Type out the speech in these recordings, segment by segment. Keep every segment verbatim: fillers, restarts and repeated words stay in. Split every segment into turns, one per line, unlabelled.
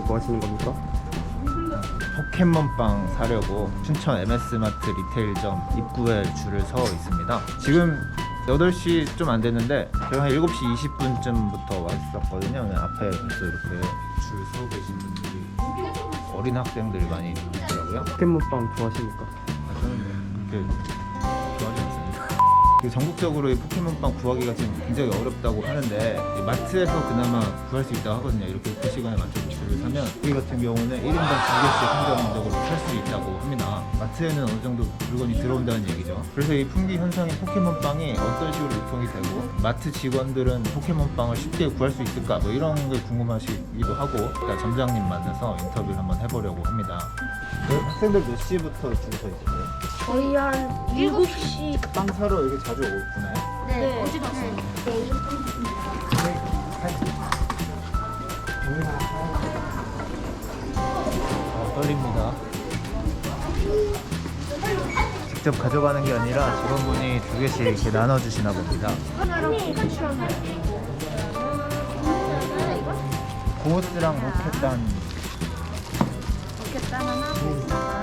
뭐 하시는 겁니까?
포켓몬빵 사려고 춘천 엠에스마트 리테일점 입구에 줄을 서 있습니다. 지금 여덟 시 좀 안 됐는데 제가 한 일곱 시 이십 분쯤부터 왔었거든요. 앞에 벌써 이렇게 줄 서 계신 분들이, 어린 학생들이 많이 있더라고요.
포켓몬빵 좋아하십니까?
아, 저는 그렇게 좋아하지 않습니다. 그 전국적으로 이 포켓몬빵 구하기가 지금 굉장히 어렵다고 하는데 이 마트에서 그나마 구할 수 있다고 하거든요. 이렇게 그 시간에 맞춰서 줄을 사면 여기 같은 경우는 일 인당 두 개씩 한정적으로 살 수 있다고 합니다. 마트에는 어느 정도 물건이 들어온다는 얘기죠. 그래서 이 품귀 현상인 포켓몬빵이 어떤 식으로 유통이 되고 마트 직원들은 포켓몬빵을 쉽게 구할 수 있을까, 뭐 이런 게 궁금하시기도 하고, 일단 점장님 만나서 인터뷰를 한번 해보려고 합니다. 학생들 몇 시부터 줄 서 있어요?
저희 한 일곱 시.
빵 사러 여기 자주 오나요?
네, 어제도 왔어요.
아, 떨립니다. 직접 가져가는 게 아니라 직원분이 두 개씩 이렇게 나눠주시나 봅니다. 고스랑 로켓단.
로켓단 하나, 고스 하나.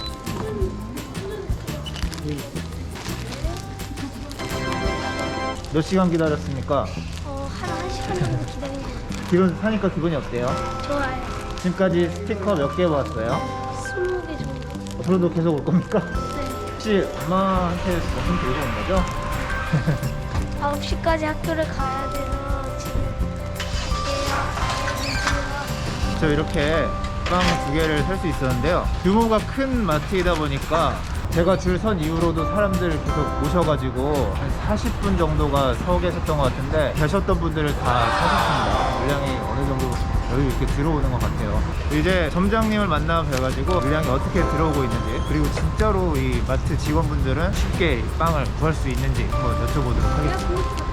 몇 시간 기다렸습니까?
어, 한 한 시간 정도 기다린 것 같아요.
기분 사니까 기분이 어때요?
좋아요.
지금까지 스티커 몇 개 모았어요?
스무 개 정도.
앞으로도 계속 올 겁니까?
네.
혹시 엄마한테 무슨 들고 온 거죠?
아홉 시까지 학교를 가야 돼서 지금 갈게요.
저 이렇게 빵 두 개를 살 수 있었는데요. 규모가 큰 마트이다 보니까 제가 줄 선 이후로도 사람들 계속 오셔가지고 한 사십 분 정도가 서 계셨던 것 같은데 계셨던 분들을 다 사셨습니다. 물량이 어느 정도 여기 이렇게 들어오는 것 같아요. 이제 점장님을 만나 뵈가지고 물량이 어떻게 들어오고 있는지, 그리고 진짜로 이 마트 직원분들은 쉽게 빵을 구할 수 있는지 한번 여쭤보도록 하겠습니다.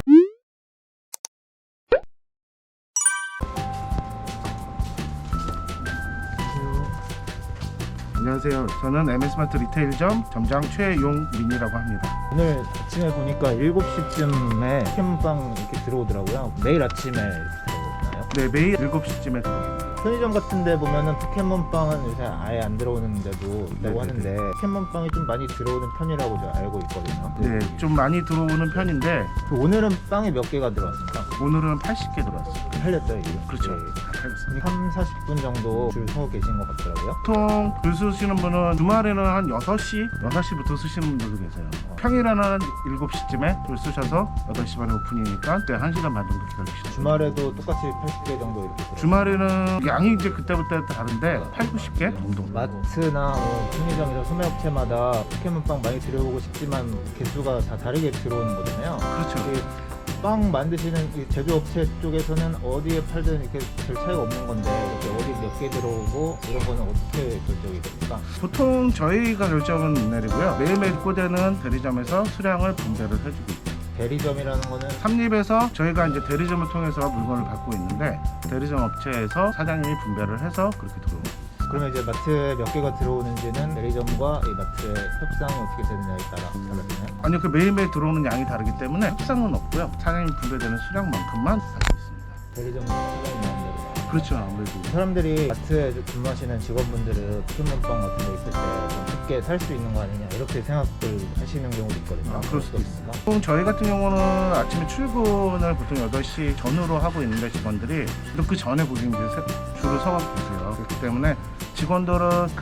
안녕하세요. 저는 엠에스마트 리테일점 점장 최용민이라고 합니다.
오늘 아침에 보니까 일곱 시쯤에 포켓몬빵 이렇게 들어오더라고요. 매일 아침에 들어오나요?
네, 매일 일곱 시쯤에 들어옵니다.
편의점 같은 데 보면은 포켓몬빵은 요새 아예 안 들어오는 데도 있다고
네네네.
하는데 포켓몬빵이 좀 많이 들어오는 편이라고 제가 알고 있거든요.
네, 좀 많이 들어오는 편인데
그 오늘은 빵이 몇 개가 들어왔습니까?
오늘은 팔십 개 들어왔어요.
팔렸죠, 이게?
그렇죠.
네.
다 팔렸습니다.
삼, 사십 분 정도 줄 서 계신 것 같더라고요.
보통 글 쓰시는 분은 주말에는 한 여섯 시, 여섯 시부터 쓰시는 분들도 계세요. 평일에는 한 일곱 시쯤에 줄 쓰셔서 여덟 시 반에 오픈이니까 그때 한 시간 반 정도 기다리시죠.
주말에도 똑같이 팔십 개 정도 이렇게 들어와요.
주말에는 양이 이제 그때부터 다른데 팔, 구십 개 정도.
마트나 뭐 편의점이나 소매업체마다 포켓몬빵 많이 들여오고 싶지만 개수가 다 다르게 들어오는 거잖아요.
그렇죠.
이 빵 만드시는 이 제조업체 쪽에서는 어디에 팔든 이렇게 별 차이가 없는 건데 이렇게 어디 몇 개 들어오고 이런 거는 어떻게 결정이 됩니까?
보통 저희가 결정은 내리고요. 매일매일 꽂아는 대리점에서 수량을 분배를 해주고 있어요.
대리점이라는 거는
삼립에서 저희가 이제 대리점을 통해서 물건을 받고 있는데 대리점 업체에서 사장님이 분배를 해서 그렇게 들어옵니다.
그러면 이제 마트에 몇 개가 들어오는지는 대리점과 이 마트의 협상이 어떻게 되느냐에 따라 달라지나요?
아니요, 그 매일매일 들어오는 양이 다르기 때문에 협상은 없고요. 사장님이 분배되는 수량만큼만 받고 있습니다.
대리점 사장님 마음대로.
그렇죠, 아무래도.
사람들이 마트에 근무하시는 직원분들은 포켓몬빵 같은 거 있을 때 좀 쉽게 살 수 있는 거 아니냐 이렇게 생각을 하시는 경우도 있거든요.
아, 그럴 수도
어떻습니까?
보통 저희 같은 경우는 아침에 출근을 보통 여덟 시 전후로 하고 있는데 직원들이 또 그 전에 보시면 이제 세- 줄을 서고 계세요. 그렇기 때문에 직원들은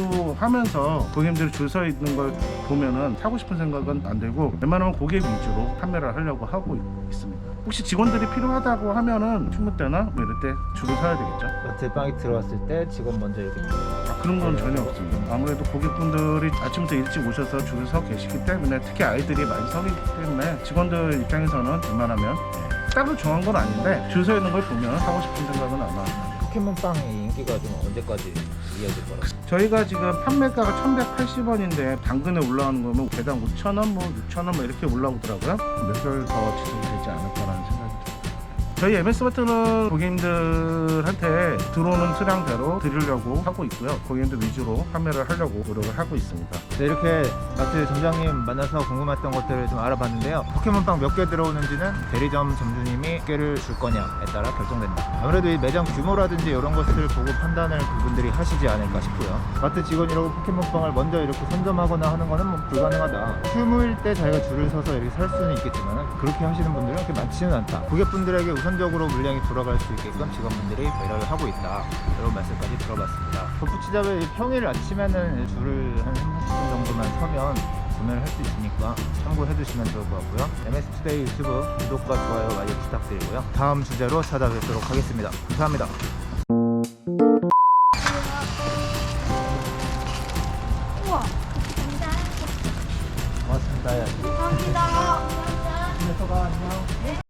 근무하면서 고객님들이 줄 서 있는 걸 보면은 사고 싶은 생각은 안 들고 웬만하면 고객 위주로 판매를 하려고 하고 있- 있습니다. 혹시 직원들이 필요하다고 하면은 충무 때나 뭐 이럴 때 줄을 서야 되겠죠.
마트에 빵이 들어왔을 때 직원 먼저 이렇게
아, 그런 건 전혀 없습니다. 아무래도 고객분들이 아침부터 일찍 오셔서 줄을 서 계시기 때문에 특히 아이들이 많이 서기 때문에 직원들 입장에서는 웬만하면 따로 정한 건 아닌데 줄 서 있는 걸 보면 사고 싶은 생각은 아마
포켓몬빵의 인기가 좀 언제까지 이어질 거라고?
저희가 지금 판매가가 천백팔십 원인데 당근에 올라오는 거면 개당 오천 원, 뭐 육천 원 뭐 이렇게 올라오더라고요. 몇 개월 더 지속되지 않을까라는 생각이 듭니다. 저희 엠에스마트는 고객님들한테 들어오는 수량대로 드리려고 하고 있고요. 고객님들 위주로 판매를 하려고 노력을 하고 있습니다.
네, 이렇게 마트 점장님 만나서 궁금했던 것들을 좀 알아봤는데요. 포켓몬빵 몇 개 들어오는지는 대리점 점주님이 몇 개를 줄 거냐에 따라 결정된다. 아무래도 이 매장 규모라든지 이런 것을 보고 판단을 그분들이 하시지 않을까 싶고요. 마트 직원이라고 포켓몬빵을 먼저 이렇게 선점하거나 하는 거는 뭐 불가능하다. 휴무일 때 자기가 줄을 서서 이렇게 살 수는 있겠지만 그렇게 하시는 분들은 그렇게 많지는 않다. 고객분들에게 우선적으로 물량이 돌아갈 수 있게끔 직원분들이 배려를 하고 있다. 이런 말씀까지 들어봤습니다. 덧붙이자면 이 평일 아침에는 줄을 한 삼십 분 정도만 서면 구매를 할 수 있으니까 참고해 주시면 좋을 것 같고요. 엠에스투데이 유튜브 구독과 좋아요 많이 부탁드리고요. 다음 주제로 찾아뵙도록 하겠습니다. 감사합니다.
우와.
고맙습니다.
감사합니다.
안녕.